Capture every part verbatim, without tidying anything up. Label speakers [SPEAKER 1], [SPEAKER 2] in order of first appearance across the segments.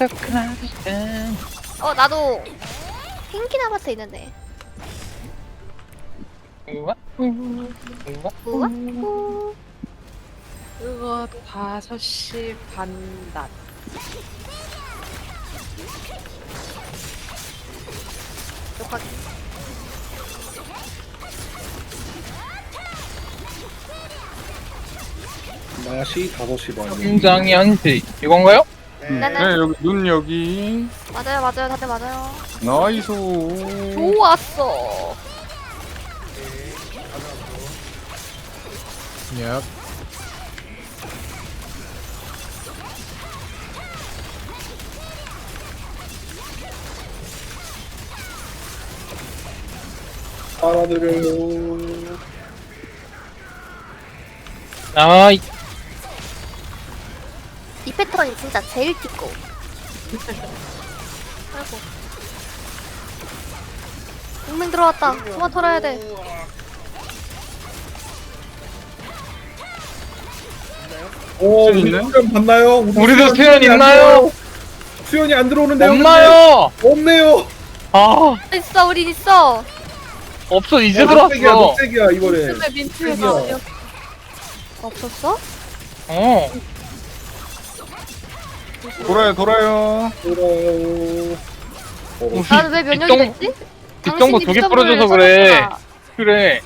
[SPEAKER 1] 어 나도 핑키 나바스 있는데.
[SPEAKER 2] 우와 우와
[SPEAKER 1] 우와? 우.
[SPEAKER 3] 그거 다섯 시 반 낮.
[SPEAKER 1] 욕하기.
[SPEAKER 4] 맛이 다섯 시 반이요.
[SPEAKER 2] 심장이 한시 이건가요?
[SPEAKER 1] 네네.
[SPEAKER 5] 네, 여기 눈 여기.
[SPEAKER 1] 맞아요 맞아요 다들 맞아요.
[SPEAKER 5] 나이스.
[SPEAKER 1] 좋았어.
[SPEAKER 5] 얍.
[SPEAKER 4] 알아드려요.
[SPEAKER 2] 아이
[SPEAKER 1] 이 패턴이 진짜 제일 띠고. 아이고. 동맹 들어왔다. 소마 털어야 돼.
[SPEAKER 4] 오, 우리
[SPEAKER 5] 있네?
[SPEAKER 4] 수연 봤나요?
[SPEAKER 2] 우리도 수연
[SPEAKER 4] 안
[SPEAKER 2] 있나요?
[SPEAKER 4] 들어오요. 수연이 안 들어오는데요?
[SPEAKER 2] 없나요?
[SPEAKER 4] 근데? 없네요.
[SPEAKER 2] 아
[SPEAKER 1] 있어 우린 있어.
[SPEAKER 2] 없어 이제
[SPEAKER 4] 어, 녹색이야,
[SPEAKER 2] 들어왔어.
[SPEAKER 4] 녹색이야 이번에.
[SPEAKER 3] 요즘에 민트가
[SPEAKER 4] 드디어.
[SPEAKER 3] 어디야?
[SPEAKER 1] 없었어?
[SPEAKER 2] 어
[SPEAKER 5] 돌아요, 돌아요.
[SPEAKER 4] 돌아요. 어,
[SPEAKER 1] 나는 왜 면역이
[SPEAKER 2] 뒷정-
[SPEAKER 1] 됐지?
[SPEAKER 2] 뒷정보 두 개
[SPEAKER 1] 당신이
[SPEAKER 2] 부러져서
[SPEAKER 1] 뒷정보를
[SPEAKER 2] 그래.
[SPEAKER 1] 써줬구나.
[SPEAKER 2] 그래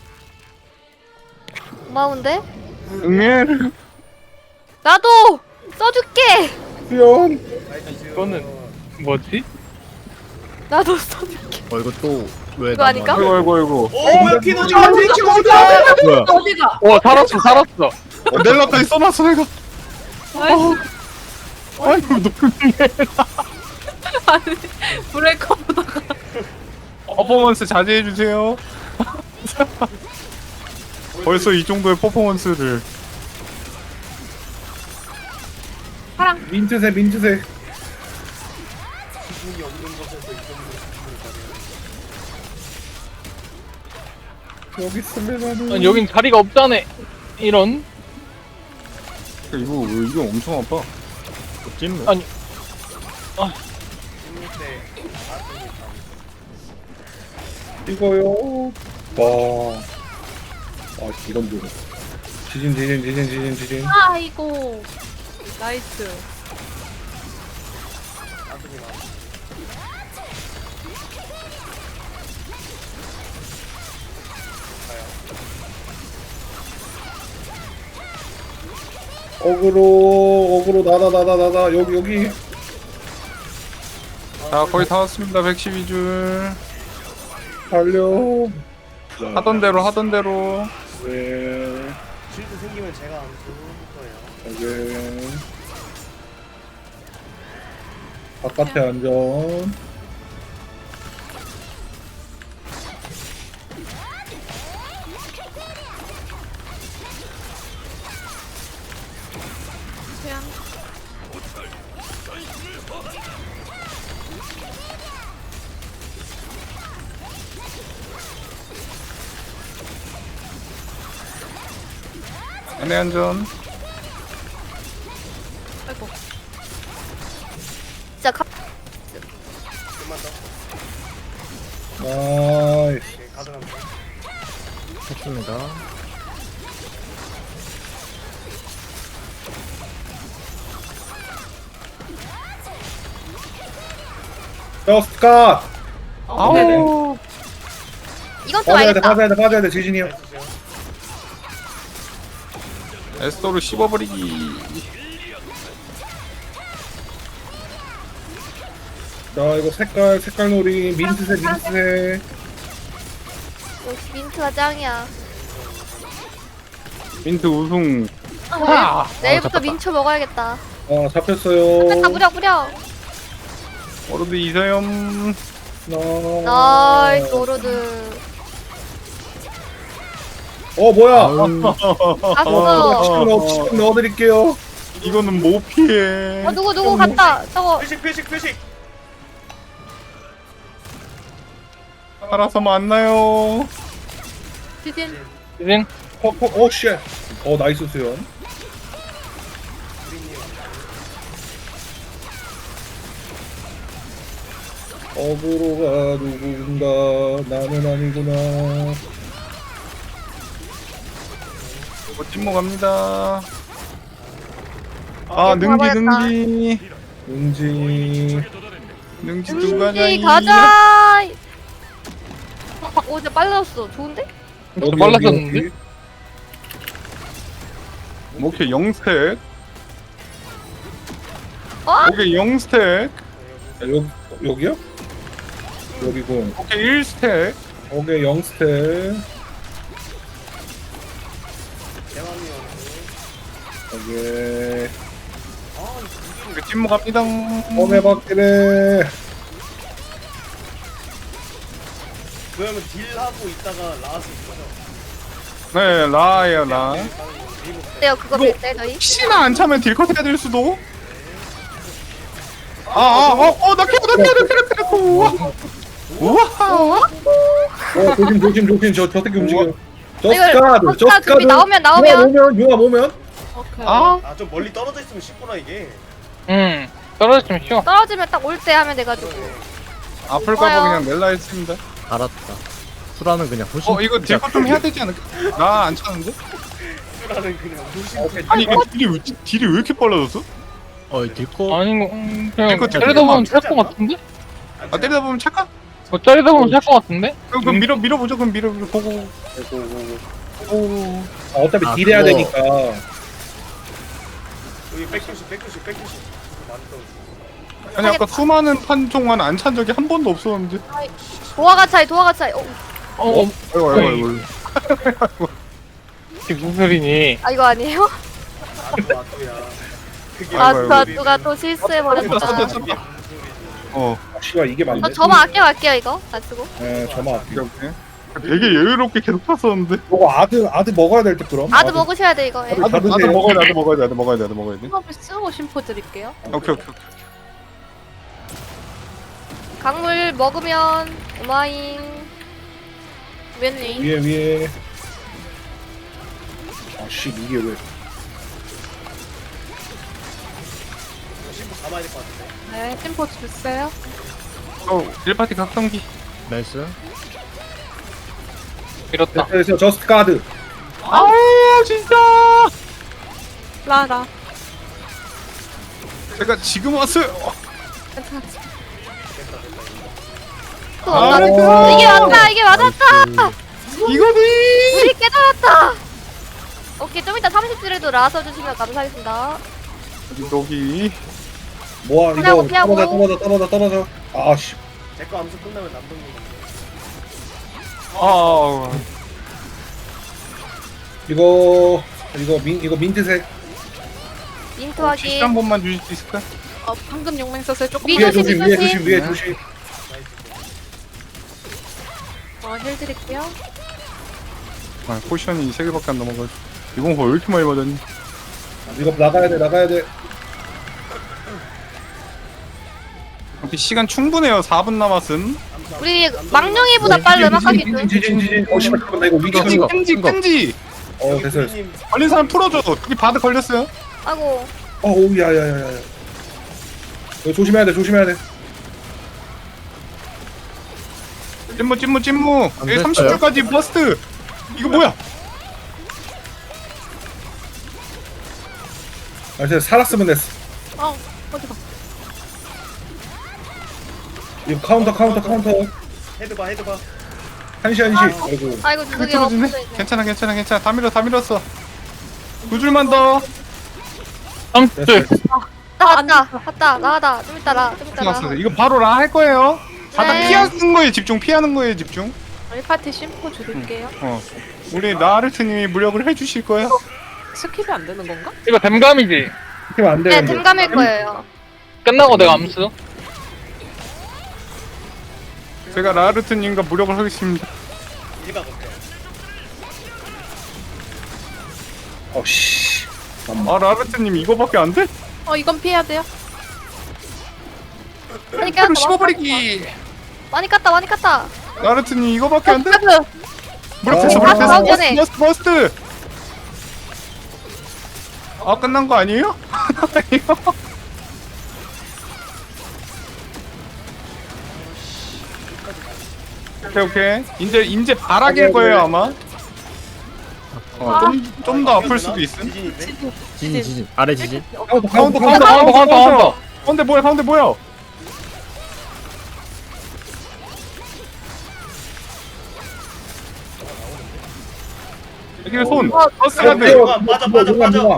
[SPEAKER 1] 고마운데?
[SPEAKER 5] 응애.
[SPEAKER 1] 나도 써줄게.
[SPEAKER 4] 수연.
[SPEAKER 2] 이거는 뭐지?
[SPEAKER 1] 나도 써줄게.
[SPEAKER 6] 어 이거 또 왜
[SPEAKER 1] 이거 아닌가?
[SPEAKER 5] 아이고, 아이고, 아이고.
[SPEAKER 4] 뭐야 키노지 어디 키노다.
[SPEAKER 6] 뭐야?
[SPEAKER 3] 어디가?
[SPEAKER 2] 어 살았어 살았어.
[SPEAKER 5] 넬라까지 써놨어, 내가.
[SPEAKER 3] 아이고,
[SPEAKER 5] 아이고, 노크네.
[SPEAKER 3] 아니, 브레이커 보다가.
[SPEAKER 5] 퍼포먼스 자제해주세요. 벌써 이 정도의 퍼포먼스를.
[SPEAKER 4] 민트색 민트색. 여기 있으면
[SPEAKER 2] 아니, 여긴 자리가 없잖아. 이런
[SPEAKER 5] 이거, 이거 엄청 아파. 찐네.
[SPEAKER 2] 아니
[SPEAKER 4] 이거요. 와. 아 이런 거. 지진 지진 지진 지진 지진.
[SPEAKER 3] 아이고. 나이스.
[SPEAKER 4] 어그로 어그로 나다 나다 나다 여기 여기.
[SPEAKER 5] 자, 거의 다 왔습니다. 백십이 줄.
[SPEAKER 4] 달려.
[SPEAKER 5] 하던 대로, 하던 대로.
[SPEAKER 4] 네.
[SPEAKER 7] 실드 생기면 제가 암수 거예요.
[SPEAKER 4] 여기. 바깥에 안전.
[SPEAKER 3] 수양.
[SPEAKER 5] 안내 안전.
[SPEAKER 3] 아이고.
[SPEAKER 1] 진짜 가...
[SPEAKER 7] 좀만 더.
[SPEAKER 4] 나이스.
[SPEAKER 7] 오케이, 가능합니다.
[SPEAKER 6] 했습니다.
[SPEAKER 4] 저스트 컷.
[SPEAKER 5] 아우.
[SPEAKER 1] 이건 좀
[SPEAKER 4] 빠져야 돼
[SPEAKER 1] 알겠다.
[SPEAKER 4] 빠져야 돼 빠져야 돼 지진이 형.
[SPEAKER 5] 에스더를 씹어버리기.
[SPEAKER 4] 자 이거 색깔 색깔 놀이 민트색 민트색.
[SPEAKER 1] 역시 민트가 짱이야.
[SPEAKER 5] 민트 우승.
[SPEAKER 2] 아
[SPEAKER 1] 내일부터 민초 먹어야겠다.
[SPEAKER 4] 아 잡혔어요.
[SPEAKER 1] 다 무력 무력.
[SPEAKER 5] 워로드 이서염.
[SPEAKER 1] 나이스 오로드.
[SPEAKER 4] 어 뭐야?
[SPEAKER 1] 갔어.
[SPEAKER 4] 치킨 넣어 치킨 넣어드릴게요.
[SPEAKER 5] 이거는 못 피해.
[SPEAKER 1] 어 누구 누구 갔다. 저거
[SPEAKER 7] 표식 표식 표식.
[SPEAKER 5] 살아서 만나요.
[SPEAKER 3] 지진.
[SPEAKER 2] 지진
[SPEAKER 4] 어어 쉣. 어 나이스 수연. 어그로가 누군가 나는 아니구나.
[SPEAKER 5] 뭐 찐모 갑니다. 아 능지
[SPEAKER 1] 가버렸다.
[SPEAKER 5] 능지
[SPEAKER 4] 응지.
[SPEAKER 5] 능지 누가냐
[SPEAKER 1] 이 가자. 오, 진짜 빨라졌어. 좋은데?
[SPEAKER 4] 여기,
[SPEAKER 2] 빨랐었는데?
[SPEAKER 4] 여기, 여기.
[SPEAKER 5] 오케이 영스택.
[SPEAKER 1] 어?
[SPEAKER 5] 오케이 영스택.
[SPEAKER 4] 아, 여기 여기요? 여기군.
[SPEAKER 5] 오케이 일스택.
[SPEAKER 4] 오케이 영스텝.
[SPEAKER 7] 대왕이 형.
[SPEAKER 4] 오케이.
[SPEAKER 5] 오케이 찐모 갑니다.
[SPEAKER 4] 험해 받기네.
[SPEAKER 7] 그러면 딜하고 있다가 라스 있어요.
[SPEAKER 5] 네 라예요 라.
[SPEAKER 1] 어때요? 그거
[SPEAKER 5] 이거-
[SPEAKER 1] 빌때 저희?
[SPEAKER 5] 혹시나 안 차면 딜컷 해야 될 수도. 아아어어나 캐고 나 캐고 나 캐고 우와 우와.
[SPEAKER 4] 어 조심 조심 조심 저 저 새끼 움직여.
[SPEAKER 1] 이거
[SPEAKER 4] 저스카드
[SPEAKER 1] 저스카
[SPEAKER 4] 저스카드.
[SPEAKER 1] 준비 나오면 나오면.
[SPEAKER 4] 오면 유아 오면.
[SPEAKER 3] 오케이.
[SPEAKER 5] 아
[SPEAKER 7] 아 좀 멀리 떨어져 있으면 쉽구나 이게.
[SPEAKER 2] 응 떨어지면 쉬워.
[SPEAKER 1] 떨어지면 딱 올 때 하면 돼가지고.
[SPEAKER 5] 아플까봐
[SPEAKER 1] 좋아요.
[SPEAKER 5] 그냥 넬라 했습니다.
[SPEAKER 6] 알았다. 수라는 그냥 훨씬
[SPEAKER 5] 어 이거 딜컷 좀 해야 되지 않을까? 나 안 차는데?
[SPEAKER 7] 라는 그냥 무심.
[SPEAKER 4] 오케이.
[SPEAKER 5] 아니 이게 딜이 왜, 딜이 왜 이렇게 빨라졌어?
[SPEAKER 6] 어 딜코
[SPEAKER 2] 아닌 거 음, 그냥
[SPEAKER 5] 이거
[SPEAKER 2] 때리다 보면 찰 것 같은데?
[SPEAKER 5] 아 때리다 보면 착각?
[SPEAKER 2] 뭐 때리다 보면 찰 것 같은데?
[SPEAKER 5] 그럼, 그럼 밀어 밀어보죠. 그럼 밀어 밀어 보고. 오.
[SPEAKER 4] 아, 어차피
[SPEAKER 6] 아,
[SPEAKER 4] 딜해야
[SPEAKER 6] 그거.
[SPEAKER 4] 되니까.
[SPEAKER 7] 여기 백교시 백교시 백교시. 많이 떨어져.
[SPEAKER 5] 아니 아까 수많은 판 동안 안 찬 적이 한 번도 없었는데.
[SPEAKER 1] 도화가 차이, 도화가 차이. 어,
[SPEAKER 2] 어, 어
[SPEAKER 5] 아이고 아이고 아이고.
[SPEAKER 2] 이게 무슨 소리니?
[SPEAKER 1] 아 이거 아니에요?
[SPEAKER 7] 아또 아또야. 그게
[SPEAKER 1] 아,
[SPEAKER 5] 아이고,
[SPEAKER 1] 그
[SPEAKER 5] 아이고.
[SPEAKER 1] 누가 또 실수해버렸다.
[SPEAKER 5] 쳤다, 쳤다. 어.
[SPEAKER 4] 아, 씨발 이게 맞네.
[SPEAKER 1] 저 저만 아껴갈게요 이거. 안 쓰고.
[SPEAKER 4] 예, 저만.
[SPEAKER 5] 오케이 오케이. 되게 여유롭게 계속 탔었는데.
[SPEAKER 4] 이거 아드 아드 먹어야 될 때 그럼.
[SPEAKER 1] 아드 먹으셔야 돼 이거. 예.
[SPEAKER 4] 아드
[SPEAKER 5] 나도 나도
[SPEAKER 4] 드세요.
[SPEAKER 5] 먹어야 돼. 나도 먹어야 돼. 나도 먹어야 돼. 나도 먹어야 돼.
[SPEAKER 3] 수업을 쓰고 심포 드릴게요.
[SPEAKER 5] 오케이 오케이 오케이.
[SPEAKER 1] 강물 먹으면 오마잉. 웬니?
[SPEAKER 4] 위에 위에. 아씨 이게 왜?
[SPEAKER 7] 심포 감아야 될 것 같은데.
[SPEAKER 3] 네, 심포 주세요.
[SPEAKER 5] 어 일 파티 각성기.
[SPEAKER 6] 나이스.
[SPEAKER 2] 밀었다.
[SPEAKER 4] 그래서 저스트 카드.
[SPEAKER 5] 아우 진짜.
[SPEAKER 3] 라라.
[SPEAKER 5] 제가 지금 왔어요.
[SPEAKER 3] 괜찮아.
[SPEAKER 1] 또
[SPEAKER 5] 아,
[SPEAKER 1] 왔다.
[SPEAKER 4] 어.
[SPEAKER 1] 이게 맞다. 이게 맞았다.
[SPEAKER 5] 이거니.
[SPEAKER 1] 우리 깨달았다. 오케이 좀 이따 삼십 줄에도 라서 주시면 감사하겠습니다.
[SPEAKER 5] 여기.
[SPEAKER 4] 뭐야
[SPEAKER 1] 피하고,
[SPEAKER 4] 이거
[SPEAKER 1] 피하고.
[SPEAKER 4] 떨어져 떨어져 떨어져 떨어져. 아씨.
[SPEAKER 7] 제거 암수 끝나면 남동님.
[SPEAKER 5] 아.
[SPEAKER 4] 이거 이거 민 이거 민트색.
[SPEAKER 1] 민트
[SPEAKER 5] 어, 지시
[SPEAKER 1] 확인.
[SPEAKER 5] 한 번만 주실 수 있을까?
[SPEAKER 3] 어, 방금 용맹 썼어요. 조금
[SPEAKER 1] 미-
[SPEAKER 4] 위에
[SPEAKER 1] 조심,
[SPEAKER 4] 조심 위에
[SPEAKER 1] 조심.
[SPEAKER 4] 조심 위에 조심.
[SPEAKER 3] 어, 힐 드릴게요.
[SPEAKER 5] 아 포션이 세 개밖에 안 넘어가지고. 이건 왜 이렇게 많이 맞았니?
[SPEAKER 4] 이거 나가야 돼 나가야 돼.
[SPEAKER 5] 이렇게 시간 충분해요. 사 분 남았음.
[SPEAKER 1] 우리 망령이보다 빨리 음악 하기
[SPEAKER 4] 지진
[SPEAKER 1] 좀.
[SPEAKER 4] 지진 지진. 어 씨발 잠깐만 나 이거 위기
[SPEAKER 5] 끈지
[SPEAKER 6] 이거,
[SPEAKER 5] 끈지
[SPEAKER 6] 이거.
[SPEAKER 5] 끈지.
[SPEAKER 4] 어 됐어 됐어.
[SPEAKER 7] 님
[SPEAKER 5] 걸린 사람 풀어줘. 여기 바드 걸렸어요.
[SPEAKER 1] 아고.
[SPEAKER 4] 어 오우 야야야야. 이거 조심해야 돼 조심해야 돼.
[SPEAKER 5] 찐무 찐무 찐무.
[SPEAKER 6] 안
[SPEAKER 5] 여기
[SPEAKER 6] 됐어요?
[SPEAKER 5] 삼십 줄까지 버스트. 이거 뭐야?
[SPEAKER 4] 아 진짜 살았으면 됐어.
[SPEAKER 3] 어, 어디 가?
[SPEAKER 4] 이거 카운터 카운터 카운터.
[SPEAKER 7] 헤드 봐 헤드 봐.
[SPEAKER 4] 한시 한시. 아이고.
[SPEAKER 1] 아이고
[SPEAKER 5] 이거
[SPEAKER 1] 저기
[SPEAKER 5] 틀어주네.
[SPEAKER 1] 없어져 있네.
[SPEAKER 5] 괜찮아 괜찮아 괜찮아. 다 밀어 다 밀었어. 두 줄만 더.
[SPEAKER 2] 삼십 줄.
[SPEAKER 1] 나 왔다. 왔다. 나가다. 좀 이따 라. 좀 이따 라.
[SPEAKER 5] 끝났어. 이거 바로 라 할 거예요. 바닥
[SPEAKER 1] 네.
[SPEAKER 5] 피하는 거에 집중. 피하는 거에 집중.
[SPEAKER 3] 일 파티 심포 드릴게요.
[SPEAKER 5] 어. 우리 나르트님이 무력을 해주실 거야.
[SPEAKER 3] 스킵이 안 되는 건가?
[SPEAKER 2] 이거 댐감이지.
[SPEAKER 4] 팀 안
[SPEAKER 1] 네,
[SPEAKER 4] 되는데.
[SPEAKER 1] 댐감일 거예요.
[SPEAKER 2] 끝나고 내가 암수.
[SPEAKER 5] 제가 라르트님과 무력을 하겠습니다.
[SPEAKER 7] 일각 어때?
[SPEAKER 4] 어씨.
[SPEAKER 5] 아 라르트님 이거밖에 안 돼?
[SPEAKER 3] 어, 이건 피해야 돼요.
[SPEAKER 1] 많이
[SPEAKER 5] 그럼
[SPEAKER 1] 깠다.
[SPEAKER 5] 씹어버리기.
[SPEAKER 1] 많이 깠다. 많이 깠다.
[SPEAKER 5] 라르트님 이거밖에 안 돼?
[SPEAKER 1] 아,
[SPEAKER 5] 무력 됐어
[SPEAKER 4] 아,
[SPEAKER 5] 무력 됐어.
[SPEAKER 1] 나오기
[SPEAKER 5] 버스트
[SPEAKER 1] 전에.
[SPEAKER 5] 버스트 버스트. 아 끝난 거 아니에요? 아니요. 오케이 오케이. 이제 이제 바라길 거예요 아마. 어좀 좀 더 아플 수도 있음.
[SPEAKER 7] 지진인데?
[SPEAKER 6] 지진 지진 아래 지진.
[SPEAKER 5] 가운데
[SPEAKER 2] 가운데,
[SPEAKER 5] 가운데
[SPEAKER 2] 가운데, 가운데, 가운데.
[SPEAKER 5] 가운데 뭐야 가운데 뭐야? 여기 손. 버스 가드.
[SPEAKER 7] 맞아, 맞아, 맞아.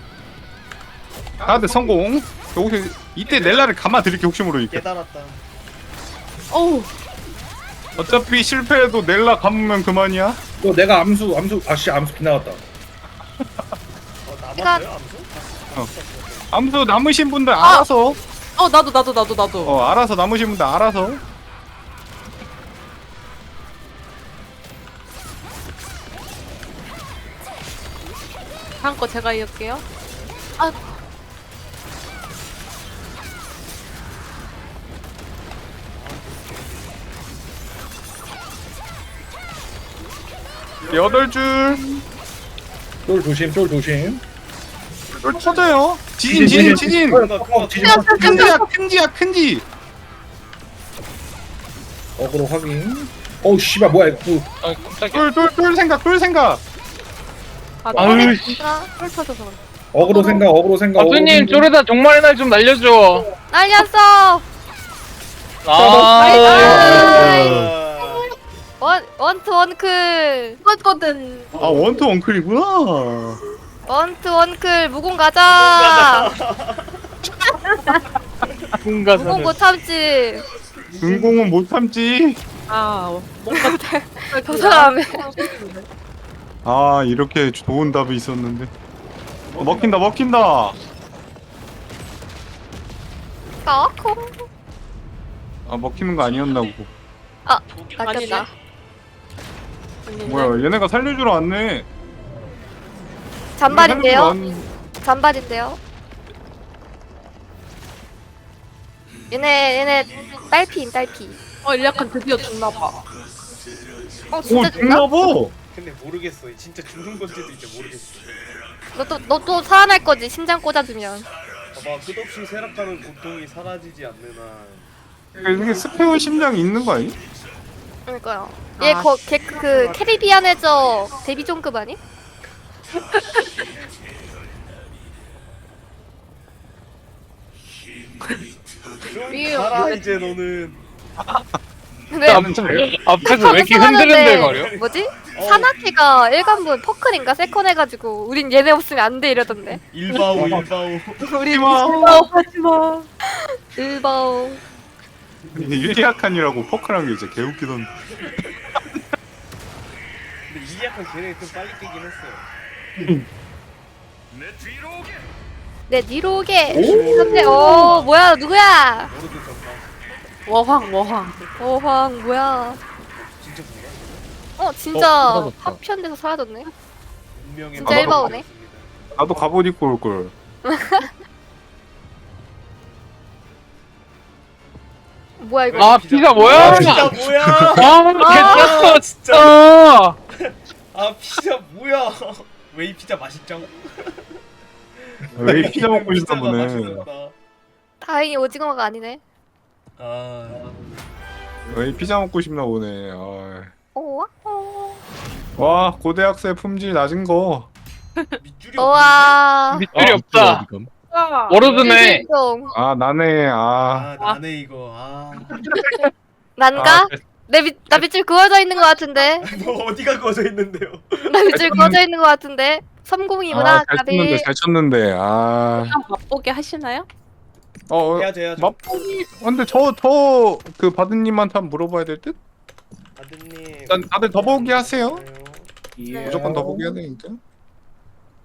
[SPEAKER 5] 가드 성공. 혹시 이때 넬라를 감아 드릴게 혹시 모르니까.
[SPEAKER 7] 깨달았다.
[SPEAKER 3] 어우.
[SPEAKER 5] 어차피 실패해도 넬라 감으면 그만이야.
[SPEAKER 4] 너 내가 암수 암수 아씨 암수 빗나갔다.
[SPEAKER 7] 어, 남았어요, 암수?
[SPEAKER 5] 아무튼 남으신 분들 알아서
[SPEAKER 3] 어 나도 나도 나도 나도.
[SPEAKER 5] 어 알아서 남으신 분들 알아서.
[SPEAKER 3] 다음 거 제가 이을게요.
[SPEAKER 5] 여덟 줄.
[SPEAKER 4] 쫄 조심 쫄 조심.
[SPEAKER 5] 쫄 터져요. 지진 지진 지진.
[SPEAKER 4] 어, 어, 지진.
[SPEAKER 5] 큰지야 큰지야 큰지.
[SPEAKER 4] 어그로 확인. 어우 씨발 뭐야 이거.
[SPEAKER 2] 아 깜짝이야.
[SPEAKER 5] 쫄쫄쫄 생각 쫄 생각.
[SPEAKER 3] 아,
[SPEAKER 2] 아유 씨.
[SPEAKER 1] 진짜
[SPEAKER 3] 털 터져서 그래.
[SPEAKER 4] 어그로 생각 어그로 생각.
[SPEAKER 2] 가수님
[SPEAKER 4] 어그로
[SPEAKER 2] 쪼르다 종말의 날 좀 날려줘.
[SPEAKER 1] 날렸어.
[SPEAKER 2] 아.
[SPEAKER 1] 나이스. 원 원투 원클.
[SPEAKER 3] 이거거든.
[SPEAKER 5] 아 원투 원클이구나.
[SPEAKER 1] 원투 원클 무공 가자. 무공
[SPEAKER 2] 군가사는.
[SPEAKER 1] 못 참지.
[SPEAKER 5] 은공은 못 참지.
[SPEAKER 3] 아 뭔가
[SPEAKER 1] 저 사람이.
[SPEAKER 5] 아 이렇게 좋은 답이 있었는데. 어, 먹힌다 먹힌다.
[SPEAKER 1] 까콩.
[SPEAKER 5] 아 먹히는 거 아니었나 보고.
[SPEAKER 1] 아 낚였다.
[SPEAKER 5] 뭐야 얘네가 살려주러 왔네.
[SPEAKER 1] 잔발인데요.
[SPEAKER 5] 살려주러 왔-
[SPEAKER 1] 잔발인데요. 얘네 얘네 딸피인 딸피.
[SPEAKER 3] 어 일약한 드디어 죽나봐.
[SPEAKER 1] 어
[SPEAKER 5] 오
[SPEAKER 1] 진짜 죽나?
[SPEAKER 5] 죽나봐.
[SPEAKER 7] 근데 모르겠어. 진짜 죽는 건지도 이제 모르겠어.
[SPEAKER 1] 너또 너 또 살아날 거지 심장 꽂아주면.
[SPEAKER 7] 봐봐, 끝없이 쇠락하는 고통이 사라지지 않는 한.
[SPEAKER 5] 이게 스페어 심장이 있는 거 아니?
[SPEAKER 1] 그러니까요.
[SPEAKER 3] 아,
[SPEAKER 1] 얘거걔그 캐리비안 해저 데뷔 종급 아니?
[SPEAKER 7] 좀 가라 이제 너는.
[SPEAKER 1] 근데
[SPEAKER 2] 앞에서 앞에서 왜 이렇게 흔들흔들거려?
[SPEAKER 1] 뭐지?
[SPEAKER 7] 어.
[SPEAKER 1] 사나키가 일관분 퍼클인가 세컨 해가지고 우린 얘네 없으면 안 돼 이러던데.
[SPEAKER 7] 일바오 일바오.
[SPEAKER 1] 우리
[SPEAKER 3] 일바오 하지마.
[SPEAKER 1] 일바오.
[SPEAKER 5] 일리아칸이라고 퍼크란 게 진짜 개웃기던데.
[SPEAKER 7] 근데 이 약간 걔네 좀 빨리 깨긴 했어요.
[SPEAKER 1] 내 뒤로 오게. 근데 어 뭐야 누구야?
[SPEAKER 7] 모르도 정말.
[SPEAKER 3] 워황 워황.
[SPEAKER 1] 어황 뭐야?
[SPEAKER 7] 진짜 뭐야?
[SPEAKER 1] 어 진짜
[SPEAKER 6] 어, 사라졌다.
[SPEAKER 1] 파편돼서 사라졌네.
[SPEAKER 7] 운명의
[SPEAKER 1] 진짜
[SPEAKER 7] 마음을
[SPEAKER 1] 일바오네.
[SPEAKER 7] 받았습니다.
[SPEAKER 5] 나도 갑옷 입고 올 걸.
[SPEAKER 1] 뭐야 이거?
[SPEAKER 2] 아 피자 뭐야?
[SPEAKER 7] 아, 진짜 뭐야?
[SPEAKER 2] 아 괜찮아
[SPEAKER 7] 진짜.
[SPEAKER 2] 진짜.
[SPEAKER 7] 아 피자 뭐야? 왜 이 피자 맛있죠?
[SPEAKER 5] 왜 피자 먹고 싶다
[SPEAKER 7] 피자가
[SPEAKER 5] 보네.
[SPEAKER 7] 맛있었다.
[SPEAKER 1] 다행히 오징어가 아니네.
[SPEAKER 7] 아
[SPEAKER 5] 왜 피자 먹고 싶나 보네. 아.
[SPEAKER 1] 오 어.
[SPEAKER 5] 와 고대학생 품질 낮은 거.
[SPEAKER 7] 밑줄이
[SPEAKER 1] 우와.
[SPEAKER 2] 밑줄이 없다.
[SPEAKER 6] 지금.
[SPEAKER 2] 워로드네.
[SPEAKER 1] 좀
[SPEAKER 5] 아 나네.
[SPEAKER 7] 아
[SPEAKER 5] 아.
[SPEAKER 7] 나네 이거. 아.
[SPEAKER 1] 난가?
[SPEAKER 2] 아,
[SPEAKER 1] 내 밑, 나 밑줄 그어져 있는 것 같은데.
[SPEAKER 7] 뭐 어디가 거져 있는데요?
[SPEAKER 1] 나 밑줄 그어져 있는 것 같은데. 삼공이구나.
[SPEAKER 5] 아, 잘 쳤는데
[SPEAKER 1] 가비.
[SPEAKER 5] 잘 쳤는데. 아.
[SPEAKER 3] 한번 맛보게 하시나요?
[SPEAKER 5] 어.
[SPEAKER 7] 해야죠 해야죠.
[SPEAKER 5] 맛보기. 근데 저 저 그 바드님한테 한번 물어봐야 될 듯?
[SPEAKER 7] 아드님.
[SPEAKER 5] 일단 다들 더보기 하세요.
[SPEAKER 7] 네.
[SPEAKER 4] 예.
[SPEAKER 5] 무조건 더보기 해야 되니까.